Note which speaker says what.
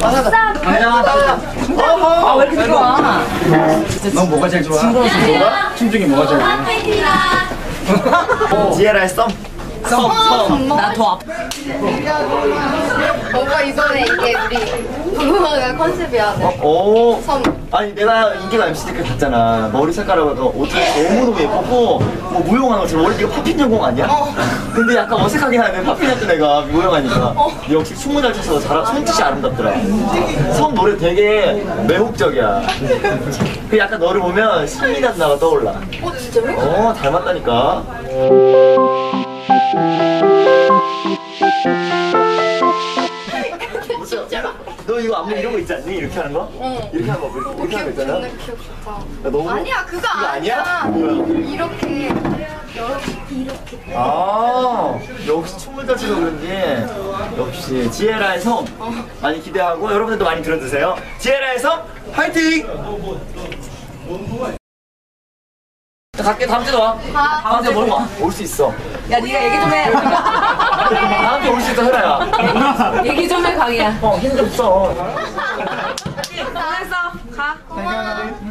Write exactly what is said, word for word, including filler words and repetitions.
Speaker 1: 아싸.
Speaker 2: 아, 왜 이렇게 좋아?
Speaker 3: 넌 뭐가 제일 좋아? 뭐가? 춤 중에 뭐가 제일 좋아?
Speaker 1: 지에라의 썸.
Speaker 3: 썸, 썸.
Speaker 2: 나더 아파.
Speaker 4: 뭔가 이번에 이게 우리 부부가 컨셉이야.
Speaker 1: 어, 오.
Speaker 4: 섬.
Speaker 1: 아니 내가 인기가 엠씨 댓글 봤잖아. 머리 색깔하고 옷을 너무너무 예쁘고 뭐 무용하는 것처럼 원래 네가 팝핀 전공 아니야?
Speaker 4: 어.
Speaker 1: 근데 약간 어색하게 하네. 팝핀 했던 애가 무용하니까.
Speaker 4: 어.
Speaker 1: 역시 춤을 잘 춰서 잘 손짓이 아름답더라. 섬 노래 되게 매혹적이야. 그 약간 너를 보면 신미가 나가 떠올라.
Speaker 4: 어 진짜로?
Speaker 1: 어 닮았다니까.
Speaker 4: 진짜로?
Speaker 1: 너 이거 안무 이런 거 있지 않니? 이렇게 하는 거?
Speaker 4: 응.
Speaker 1: 이렇게 하는 거 이렇게, 이렇게 하는 거 있잖아.
Speaker 4: 존나 기억 좋다.
Speaker 1: 야, 너무
Speaker 4: 아니야 그거
Speaker 1: 그거
Speaker 4: 아니야.
Speaker 1: 아니야? 뭐야?
Speaker 4: 이렇게 이렇게 이렇게.
Speaker 1: 아 역시 춤을 잘 춰서 그런지 역시 지에라의 섬 많이 기대하고 여러분들도 많이 들어주세요. 지에라의 섬 화이팅! 갈게. 다음 주에 와.
Speaker 4: 가.
Speaker 1: 다음 주에 뭘 와? 올 수 있어.
Speaker 2: 야, 네가 얘기 좀 해.
Speaker 1: 다음 주에 올 수 있어 혜라야.
Speaker 2: 얘기 좀 해, 강이야.
Speaker 1: 어 힘 좀 써.
Speaker 2: 잘했어. 가.
Speaker 1: 잘 가라.